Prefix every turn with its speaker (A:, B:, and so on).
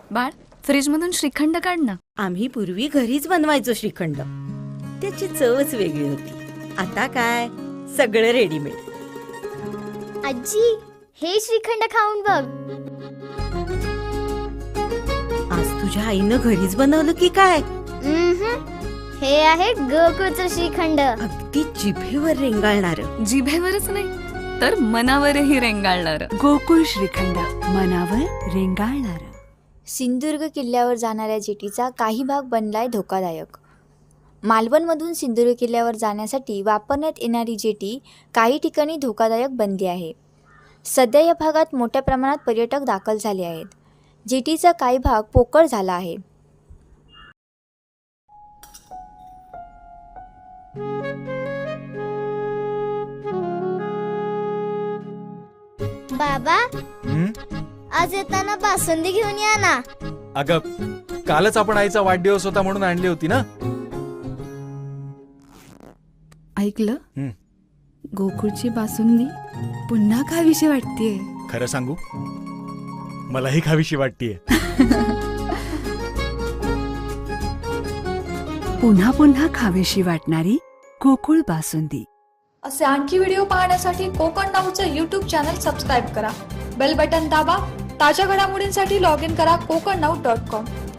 A: बाळ, फ्रीज मधून श्रीखंड काढ ना.
B: आम्ही पूर्वी घरीच बनवायचो श्रीखंड. त्याची चवच वेगळी होती. आता काय सगळं रेडीमेड.
C: आजी, हे श्रीखंड खाऊन बघ.
B: आज तुझ्या आईनं घरीच बनवलं की काय?
C: हे आहे गोकुळचं श्रीखंड.
B: अगदी जिभेवर रेंगाळणार.
A: जिभेवरच नाही तर मनावरही रेंगाळणार.
D: गोकुळ श्रीखंड, मनावर रेंगाळणार.
E: सिंधुदुर्ग किल्ल्यावर जाणाऱ्या जेटीचा काही भाग बनलाय धोकादायक. मालवणमधून सिंधुदुर्ग किल्ल्यावर जाण्यासाठी वापरण्यात येणारी जेटी काही ठिकाणी धोकादायक बनली आहे. सध्या या भागात मोठ्या प्रमाणात पर्यटक दाखल झाले आहेत. जेटीचा काही भाग पोकळ झाला आहे.
C: बाबा, आज येताना बासुंदी घेऊन या ना.
F: अगं, कालच आपण आईचा वाढदिवस होता म्हणून आणली होती ना.
D: ऐकलं? गोकुळची बासुंदी पुन्हा खावीशी वाटतेय.
F: खरं सांगू, मलाही खावीशी वाटतीये.
D: पुन्हा पुन्हा खावीशी वाटणारी गोकुळ बासुंदी.
G: असे आणखी व्हिडिओ पाहण्यासाठी कोकण नाऊचं यूट्यूब चॅनल सबस्क्राईब करा. बेल बटन दाबा. ताज्या घडामोडींसाठी लॉग इन करा kokanau.com.